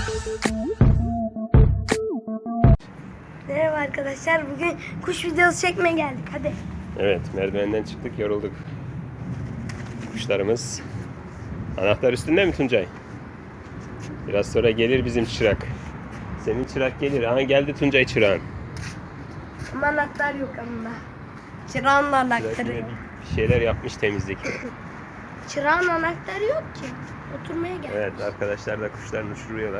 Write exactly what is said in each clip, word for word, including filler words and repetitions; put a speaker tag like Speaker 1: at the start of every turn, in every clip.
Speaker 1: Merhaba arkadaşlar, bugün kuş videosu çekmeye geldik. Hadi.
Speaker 2: Evet, merdivenden çıktık, yorulduk. Kuşlarımız. Anahtar üstünde mi Tuncay? Biraz sonra gelir bizim çırak. Senin çırak gelir. Aha geldi Tuncay çırağın.
Speaker 1: Ama anahtar yok ama. Çırağın da
Speaker 2: Çırak
Speaker 1: anahtarı
Speaker 2: yine
Speaker 1: yok.
Speaker 2: bir şeyler yapmış temizlik.
Speaker 1: Çırağın anahtarı yok ki. Oturmaya geldik.
Speaker 2: Evet, arkadaşlar da kuşlarını uçuruyorlar.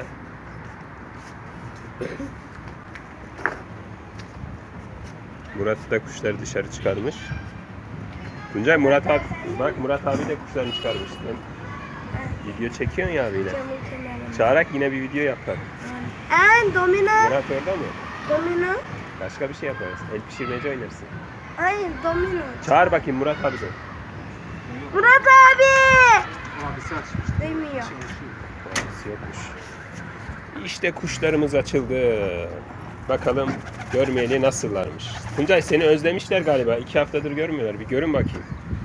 Speaker 2: Murat da kuşları dışarı çıkarmış. Tuncay, Murat abi, bak Murat abi de kuşlarını çıkarmış. Sen video çekiyorsun ya abiyle.
Speaker 1: Camın kenarına.
Speaker 2: Çağırak yine bir video yapar.
Speaker 1: Ee, domino.
Speaker 2: Murat orada mı?
Speaker 1: Domino.
Speaker 2: Başka bir şey yaparız. El pişirmece oynarsın.
Speaker 1: Hayır, domino.
Speaker 2: Çağır bakayım Murat abi de.
Speaker 1: Murat abi.
Speaker 3: Abisi açmış.
Speaker 1: Duymuyor.
Speaker 2: Abisi yokmuş. İşte kuşlarımız açıldı. Bakalım görmeyeli nasıllarmış. Tuncay, seni özlemişler galiba. İki haftadır görmüyorlar. Bir görün bakayım.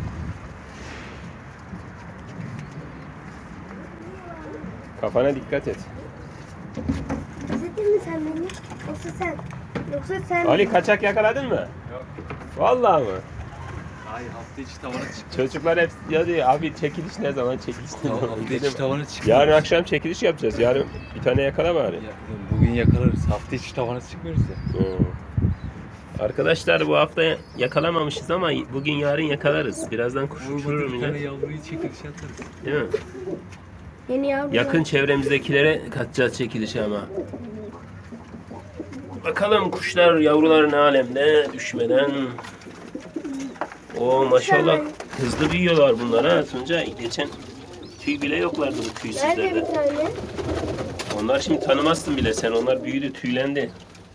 Speaker 2: Kafana dikkat et.
Speaker 1: İzledin mi sen beni? Yoksa sen? Yoksa sen?
Speaker 2: Ali, kaçak yakaladın mı?
Speaker 3: Yok.
Speaker 2: Vallahi mı?
Speaker 3: Ay hafta içi tavana çıktı.
Speaker 2: Çocuklar hep ya diyor, abi çekiliş ne zaman, çekiliş ne zaman?
Speaker 3: Hafta içi
Speaker 2: Dedim,
Speaker 3: tavana çıktı.
Speaker 2: yarın akşam çekiliş yapacağız. Yarın bir tane yakala bari.
Speaker 3: Ya, bugün yakalarız. Hafta içi tavana çıkmıyoruz ya.
Speaker 2: Oo. Arkadaşlar, bu hafta yakalamamışız ama bugün yarın yakalarız. Birazdan kuş
Speaker 3: Vurmadı
Speaker 2: uçururum
Speaker 3: bir tane
Speaker 2: yine.
Speaker 3: yavruyu çekiliş atarız.
Speaker 2: Değil mi?
Speaker 1: Yeni yavru.
Speaker 2: Yakın çevremizdekilere katacağız çekilişi ama. Bakalım kuşlar, yavrular ne alemde düşmeden. O maşallah hızlı büyüyorlar bunlar ha Tuncay. Geçen tüy bile yoklardı bu
Speaker 1: Nerede
Speaker 2: tüysüzlerde.
Speaker 1: bir tane?
Speaker 2: Onlar şimdi tanımazsın bile sen. Onlar büyüdü, tüylendi.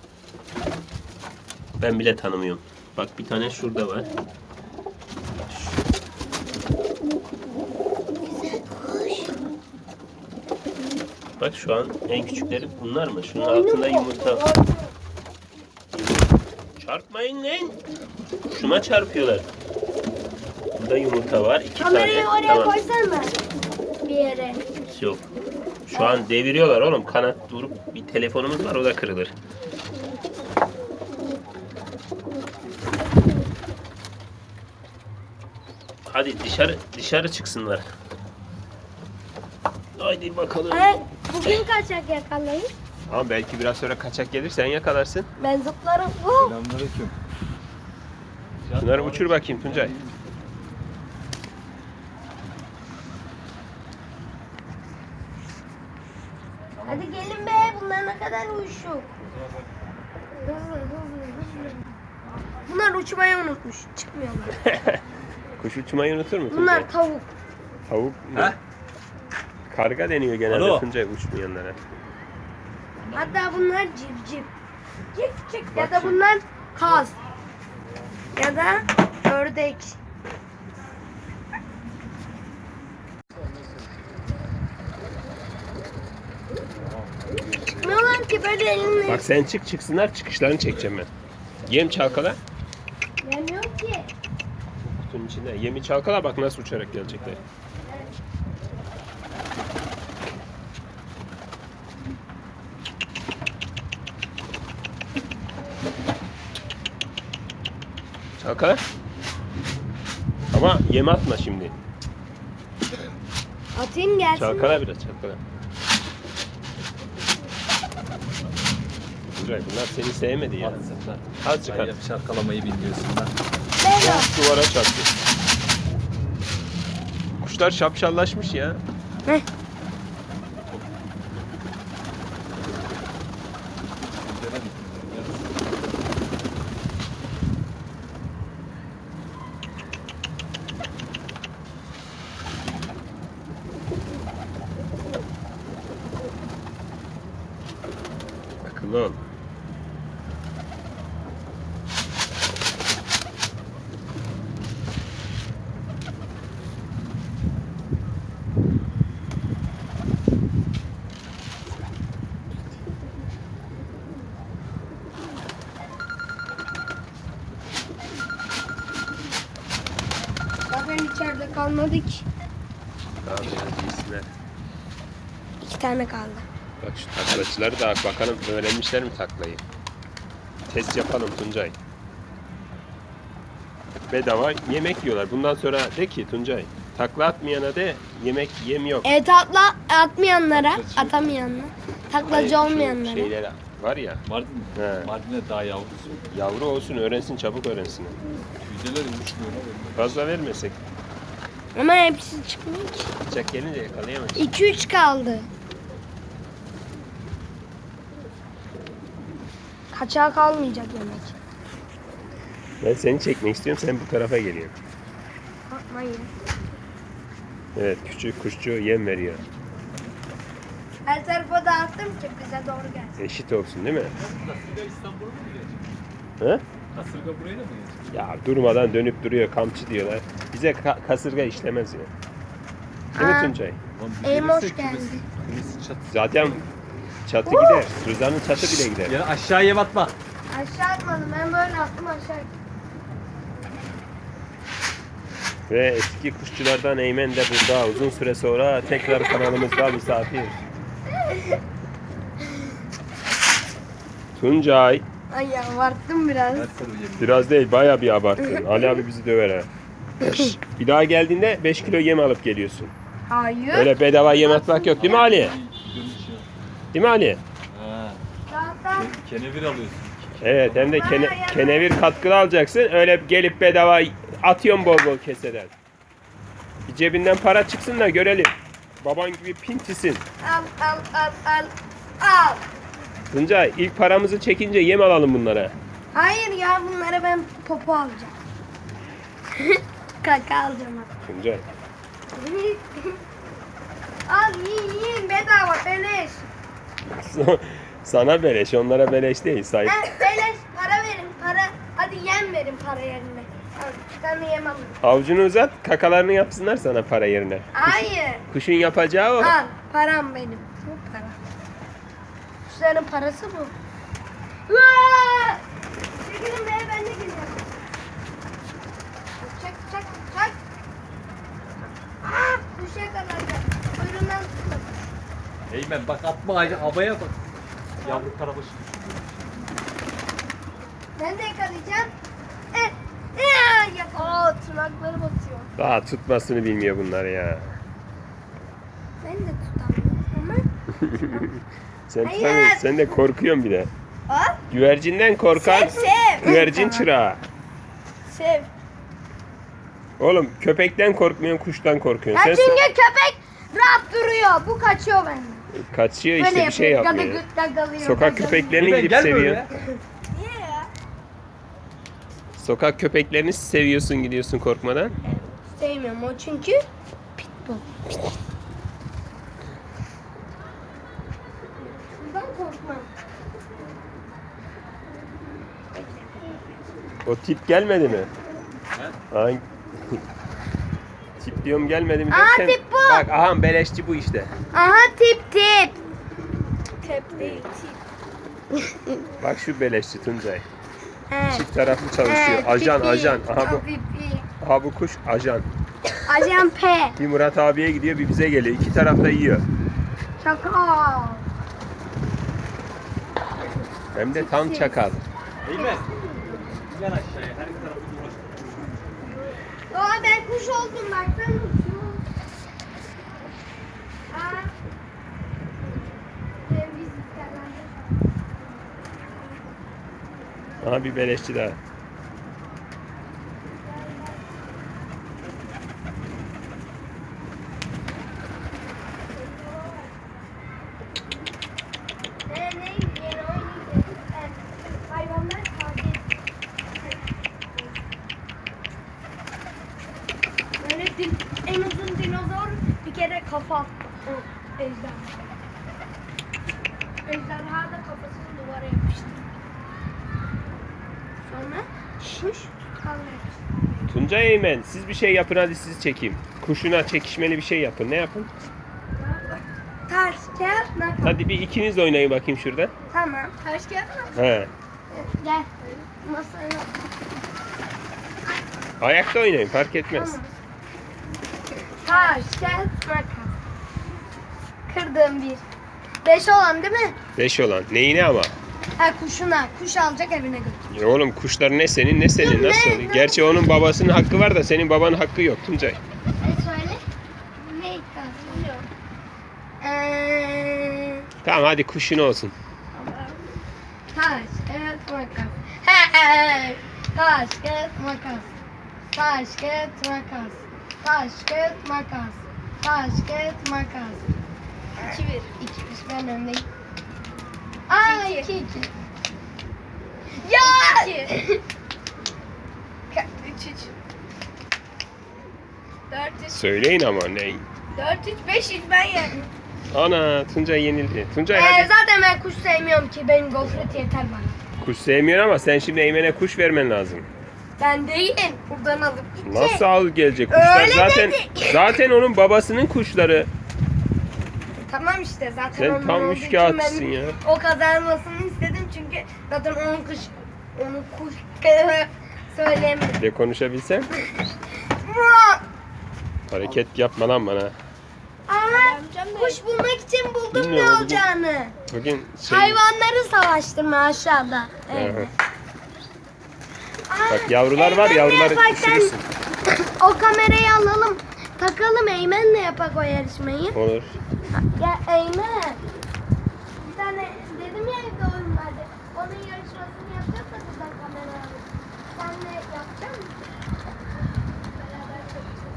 Speaker 2: Ben bile tanımıyorum. Bak bir tane şurada var. Bak şu an en küçükleri bunlar mı? Şunun altında yumurta. Çarpmayın lan. Şuna çarpıyorlar. Burada yumurta var. iki
Speaker 1: Kamerayı
Speaker 2: tane.
Speaker 1: oraya
Speaker 2: Tamam.
Speaker 1: koysana bir yere.
Speaker 2: Yok. Şu an deviriyorlar oğlum. Kanat durup bir telefonumuz var, o da kırılır. Hadi dışarı dışarı çıksınlar. Haydi bakalım.
Speaker 1: Hey, bugün kaçak yakalayın.
Speaker 2: Ama belki biraz sonra kaçak gelir, sen yakalarsın.
Speaker 1: Ben zıplarım. Oh.
Speaker 3: Selamünaleyküm.
Speaker 2: Şunları uçur bakayım Tuncay.
Speaker 1: Hadi gelin be, bunlar ne kadar uyuşuk. Hızlı hızlı hızlı. Bunlar uçmayı unutmuş, çıkmıyorlar.
Speaker 2: Kuş uçmayı unutur mu Tuncay?
Speaker 1: Bunlar tavuk.
Speaker 2: Tavuk mu?
Speaker 3: He?
Speaker 2: Karga deniyor genelde
Speaker 3: Alo.
Speaker 2: Tuncay uçmayanlara.
Speaker 1: Hatta bunlar civciv. Civciv ya
Speaker 2: Bak
Speaker 1: da
Speaker 2: şimdi.
Speaker 1: bunlar kaz. Ya da ördek. Çıkmıyorlar ki böyle elinle.
Speaker 2: Bak sen çık, çıksınlar, çıkışlarını çekeceğim ben. Yem çalkala.
Speaker 1: Gelmiyor ki.
Speaker 2: Kutunun içinde. Yemi çalkala, bak nasıl uçarak gelecekler. Çalkala. Ama yem atma şimdi.
Speaker 1: Atayım gelsin.
Speaker 2: Çalkala biraz, çalkala. Güzel, bunlar seni sevmedi ya.
Speaker 3: Atsınlar.
Speaker 2: Azıcık
Speaker 3: Sen
Speaker 2: at.
Speaker 3: yap şarkalamayı bilmiyorsun lan.
Speaker 1: Merhaba.
Speaker 2: Duvara çarptı. Kuşlar şapşallaşmış ya.
Speaker 1: Heh.
Speaker 2: Akıllı ol.
Speaker 1: Zaten içeride kalmadı ki.
Speaker 2: Daha biraz giysinler.
Speaker 1: İki tane kaldı.
Speaker 2: Bak şu taklacıları da bakalım öğrenmişler mi taklayı? Test yapalım Tuncay. Bedava yemek yiyorlar. Bundan sonra de ki Tuncay, takla atmayana de yemek yem yok.
Speaker 1: Evet atla atmayanlara, atamayanlara, taklacı
Speaker 2: Hayır, şu
Speaker 1: olmayanlara.
Speaker 2: Şeyler var ya,
Speaker 3: Mardin mi?
Speaker 2: He.
Speaker 3: Mardin'de daha yavrusu.
Speaker 2: yavru olsun öğrensin, çabuk öğrensin.
Speaker 3: Tüydeler uçmuyor.
Speaker 2: Fazla vermesek.
Speaker 1: Ama hepsi çıkmıyor ki.
Speaker 2: Bıçak gelince yakalayamayız.
Speaker 1: iki üç kaldı. Kaçağı kalmayacak yemek.
Speaker 2: Ben seni çekmek istiyorum, sen bu tarafa geliyorsun.
Speaker 1: Bakmayın.
Speaker 2: Evet, küçük kuşçu yem veriyor.
Speaker 1: Her tarafa dağıttım ki bize doğru gelsin.
Speaker 2: Eşit olsun değil mi?
Speaker 3: Kasırga İstanbul'a mı gelecek?
Speaker 2: He?
Speaker 3: Kasırga buraya da mı gelecek?
Speaker 2: Ya durmadan dönüp duruyor, kamçı diyorlar. Bize ka- kasırga işlemez ya. Değil mi
Speaker 1: Aa.
Speaker 2: Tuncay?
Speaker 3: Lan bir
Speaker 1: Ey,
Speaker 3: gelirse
Speaker 1: hoş geldin.
Speaker 3: kümesi- kümesi çat-
Speaker 2: Zaten çatı gider. Rıza'nın çatı bile gider.
Speaker 3: Ya aşağıya batma.
Speaker 1: Aşağı atmadım. Ben böyle attım aşağı.
Speaker 2: Ve eski kuşçulardan Eymen de burada. Uzun süre sonra tekrar kanalımızda misafir. Tuncay.
Speaker 1: Ay ya abarttım biraz.
Speaker 3: Ver sarı yemin.
Speaker 2: Biraz değil, bayağı bir abarttın. Ali abi bizi döver ha. Şş, bir daha geldiğinde beş kilo yem alıp geliyorsun.
Speaker 1: Hayır.
Speaker 2: Öyle bedava yem atmak yok değil mi Ali?
Speaker 3: Dönüşüyor.
Speaker 2: Değil mi Ali?
Speaker 3: Ha.
Speaker 1: Zaten
Speaker 3: ke- Kenevir alıyorsun.
Speaker 2: Evet, hem de kene- kenevir katkılı alacaksın. Öyle gelip bedava atıyorsun bol bol keseden. Bir cebinden para çıksın da görelim. Baban gibi pintisin.
Speaker 1: al al al al al.
Speaker 2: Tuncay, ilk paramızı çekince yem alalım bunlara.
Speaker 1: Hayır ya bunlara ben popo alacağım. Kaka alacağım hatta.
Speaker 2: Tuncay.
Speaker 1: Al yiyin yiyin bedava beleş.
Speaker 2: Sana beleş, onlara beleş değil. Sahip.
Speaker 1: Ha, beleş para verin para. Hadi yem verin para yerine. Al, bir tane yem alın.
Speaker 2: Avucunu uzat, kakalarını yapsınlar sana para yerine.
Speaker 1: Hayır.
Speaker 2: Kuşun yapacağı o.
Speaker 1: Al param benim. Bu para. Kuşların parası bu. Uaa! Çekilin be ben de gideceğim. Çek çek çek. Aa, kuş yakalanacak. Kuyruğundan tutun.
Speaker 3: Eymen bak atma ağacı havaya bak. Yavru karabaşı düşüyor.
Speaker 1: Ben de yakalayacağım. Eh, eh, yakala. Tırnakları batıyor.
Speaker 2: Daha tutmasını bilmiyor bunlar ya.
Speaker 1: Ben de tutamıyorum ama.
Speaker 2: Sen
Speaker 1: Hayır.
Speaker 2: tutamıyorsun, sen de korkuyorsun bir de.
Speaker 1: Al.
Speaker 2: Güvercinden korkan
Speaker 1: Sev sev.
Speaker 2: güvercin
Speaker 1: Tamam.
Speaker 2: çırağı.
Speaker 1: Sev.
Speaker 2: Oğlum köpekten korkmuyorsun, kuştan korkuyorsun.
Speaker 1: Ya
Speaker 2: Sen
Speaker 1: çünkü köpek rahat duruyor. Bu kaçıyor benden.
Speaker 2: kaçıyor
Speaker 1: Böyle
Speaker 2: işte bir şey
Speaker 1: yapıyor,
Speaker 2: yapmıyor.
Speaker 1: gadı gıt gagalıyor,
Speaker 2: Sokak
Speaker 1: gagalıyor.
Speaker 2: köpeklerini
Speaker 3: Eymen
Speaker 2: gidip
Speaker 3: gel
Speaker 2: seviyor.
Speaker 3: böyle.
Speaker 1: Niye ya?
Speaker 2: Sokak köpeklerini seviyorsun, gidiyorsun korkmadan.
Speaker 1: Sevmiyorum o çünkü pitbull. Bundan korkmam.
Speaker 2: O tip gelmedi mi?
Speaker 3: He?
Speaker 2: Hangi? Tip diyorum gelmedi mi
Speaker 1: Aa,
Speaker 2: derken.
Speaker 1: tip bu.
Speaker 2: Bak aha beleşçi bu işte.
Speaker 1: Aha tip tip. Tip değil tip.
Speaker 2: Bak şu beleşçi Tuncay.
Speaker 1: He.
Speaker 2: Çift taraflı çalışıyor.
Speaker 1: He,
Speaker 2: Ajan
Speaker 1: pipi.
Speaker 2: ajan. Aha bu,
Speaker 1: Pipi.
Speaker 2: aha bu kuş ajan.
Speaker 1: Ajan P.
Speaker 2: Bir Murat abiye gidiyor, bir bize geliyor. İki tarafta yiyor.
Speaker 1: Şaka.
Speaker 2: Hem de tam çakal.
Speaker 3: Eymen. Gel aşağıya. Her tarafı dolaştır.
Speaker 1: Aa ben kuş oldum bak sen uçuyorsun. Aa. Ben biz
Speaker 2: Aha bir beleşçi daha.
Speaker 1: Ne neydi yeni oyun hayvanlar tatil. Böyle din, en uzun dinozor bir kere kafa attı. O ejderha. Ejderha da kafasını duvara yapıştı. Sonra şuş kalmış.
Speaker 2: Tuncay Eymen, siz bir şey yapın, hadi sizi çekeyim. Kuşuna çekişmeli bir şey yapın. Ne yapın?
Speaker 1: Taş, kağıt, makas.
Speaker 2: Hadi bir ikiniz de oynayın bakayım şurada.
Speaker 1: Tamam. Taş, kağıt, makas.
Speaker 2: He.
Speaker 1: Gel. Masaya.
Speaker 2: Ayakta oynayın, fark etmez.
Speaker 1: Tamam. Taş, kağıt, makas. Kırdım bir. Beş olan değil mi?
Speaker 2: Beş olan. Neyine ama?
Speaker 1: Ha kuşuna. Kuş alacak evine götür.
Speaker 2: Ya oğlum kuşlar ne senin ne senin
Speaker 1: Dur,
Speaker 2: nasıl
Speaker 1: ne?
Speaker 2: oluyor?
Speaker 1: Ne?
Speaker 2: Gerçi onun babasının hakkı var da senin babanın hakkı yok Tuncay.
Speaker 1: E söyle. Ne iddiası? Eee...
Speaker 2: Tamam hadi kuşun olsun.
Speaker 1: Taş, kağıt, makas. Hey! Taş, kağıt, makas. Taş, kağıt, makas. Taş, kağıt, makas. Taş, kağıt, makas. İki bir. İki bir. Ben öndeyim. Aa iki iki. Ya! İki. Üç üç. Dört üç.
Speaker 2: Söyleyin ama ne?
Speaker 1: Dört üç. Beş üç ben yendim.
Speaker 2: Ana Tuncay yenildi. Tuncay
Speaker 1: Ee,
Speaker 2: hadi.
Speaker 1: zaten ben kuş sevmiyorum ki. Benim gofret yeter bana.
Speaker 2: Kuş sevmiyorsun ama sen şimdi Eymen'e kuş vermen lazım.
Speaker 1: Ben değil. Buradan alıp gidecek.
Speaker 2: Nasıl al gelecek kuşlar?
Speaker 1: Öyle
Speaker 2: zaten
Speaker 1: dedi.
Speaker 2: zaten onun babasının kuşları.
Speaker 1: Tamam işte zaten
Speaker 2: Sen
Speaker 1: onun
Speaker 2: tam
Speaker 1: olduğu
Speaker 2: üç
Speaker 1: için
Speaker 2: kağıtçısın
Speaker 1: ben
Speaker 2: ya.
Speaker 1: O kazanmasını istedim çünkü zaten onun kuş onun kuş söyleyemedim.
Speaker 2: De konuşabilsem. Hareket yapma lan bana.
Speaker 1: Ama kuş bulmak için buldum ne
Speaker 2: Bilmiyorum, bugün-
Speaker 1: olacağını.
Speaker 2: Bugün şey.
Speaker 1: Hayvanları savaştırma aşağıda. Evet.
Speaker 2: Aha.
Speaker 1: Aa,
Speaker 2: Bak yavrular var,
Speaker 1: Eymen'le
Speaker 2: yavruları
Speaker 1: yaparken
Speaker 2: düşürürsün.
Speaker 1: O kamerayı alalım. Takalım Eymen'le yapak o yarışmayı.
Speaker 2: Olur.
Speaker 1: Ya Eymen. Bir tane dedim ya evde oyun vardı. Onun yarışmasını yapacağız da buradan kamera alıp. Sen de yapacak mısın? Beraber çekeceğiz.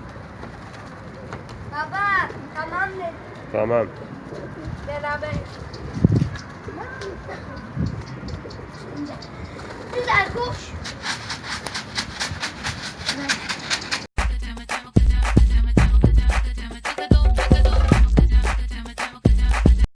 Speaker 1: Baba tamam dedim.
Speaker 2: Tamam.
Speaker 1: Beraber. Güzel koş.